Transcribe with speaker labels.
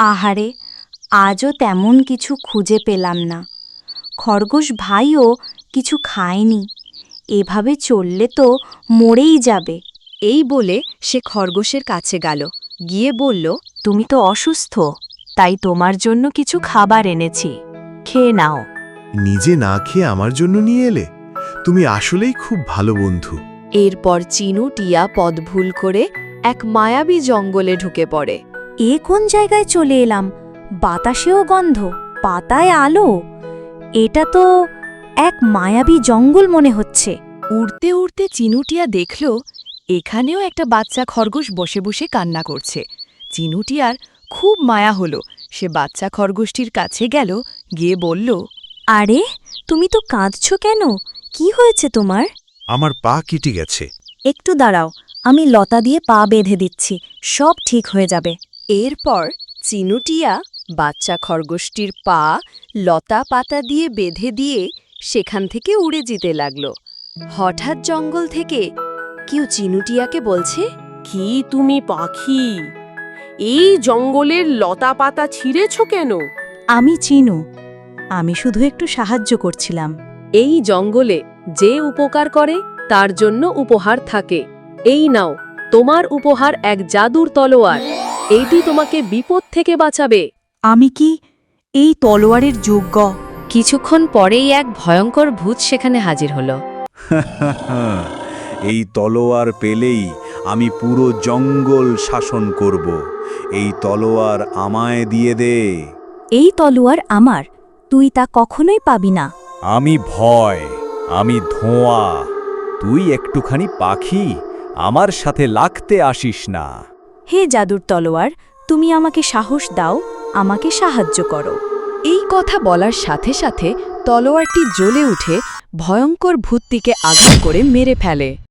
Speaker 1: আহারে, আজও তেমন কিছু খুঁজে পেলাম না। খরগোশ ভাইও কিছু খায়নি। এভাবে চললে তো মরেই যাবে।
Speaker 2: এই বলে সে খরগোশের কাছে গেল, গিয়ে বলল,
Speaker 3: তুমি তো অসুস্থ, তাই তোমার জন্য কিছু খাবার এনেছি, খেয়ে নাও।
Speaker 4: নিজে না খেয়ে আমার জন্য নিয়ে এলে? তুমি আসলেই খুব ভালো বন্ধু।
Speaker 2: এরপর চিনু টিয়া পথ ভুল করে এক মায়াবী জঙ্গলে ঢুকে পড়ে।
Speaker 1: এ কোন জায়গায় চলে এলাম? বাতাসেও গন্ধ, পাতায় আলো। এটা তো এক মায়াবী জঙ্গল মনে হচ্ছে।
Speaker 2: উড়তে উড়তে চিনুটিয়া দেখল এখানেও একটা বাচ্চা খরগোশ বসে বসে কান্না করছে। চিনুটিয়ার খুব মায়া হলো। সে বাচ্চা খরগোশটির কাছে গেল, গিয়ে বলল,
Speaker 1: আরে, তুমি তো কাঁদছো কেন? কি হয়েছে তোমার?
Speaker 4: আমার পা কেটে গেছে।
Speaker 1: একটু দাঁড়াও, আমি লতা দিয়ে পা বেঁধে দিচ্ছি, সব ঠিক হয়ে যাবে।
Speaker 2: এরপর চিনুটিয়া বাচ্চা খরগোশটির পা লতা পাতা দিয়ে বেঁধে দিয়ে সেখান থেকে উড়ে যেতে লাগল। হঠাৎ জঙ্গল থেকে কেউ চিনুটিয়াকে বলছে,
Speaker 5: কি তুমি পাখি? এই জঙ্গলের লতা পাতা ছিঁড়েছ কেন?
Speaker 1: আমি চিনু, আমি শুধু একটু সাহায্য করছিলাম।
Speaker 5: এই জঙ্গলে যে উপকার করে তার জন্য উপহার থাকে। এই নাও, তোমার উপহার এক জাদুর তলোয়ার। এইটি তোমাকে বিপদ থেকে বাঁচাবে।
Speaker 1: আমি কি এই তলোয়ারের যোগ্য?
Speaker 2: কিছুক্ষণ পরেই এক ভয়ঙ্কর ভূত সেখানে হাজির হলো।
Speaker 6: এই তলোয়ার পেলেই আমি পুরো জঙ্গল শাসন করব। এই তলোয়ার আমায় দিয়ে দে।
Speaker 1: এই তলোয়ার আমার, তুই তা কখনোই পাবি না।
Speaker 6: আমি ভয়, আমি ধোঁয়া, তুই একটুখানি পাখি, আমার সাথে লাগতে আসিস না।
Speaker 1: হে জাদুর তলোয়ার, তুমি আমাকে সাহস দাও, আমাকে সাহায্য করো।
Speaker 2: এই কথা বলার সাথে সাথে তলোয়ারটি জ্বলে উঠে ভয়ঙ্কর ভূতটিকে আঘাত করে মেরে ফেলে।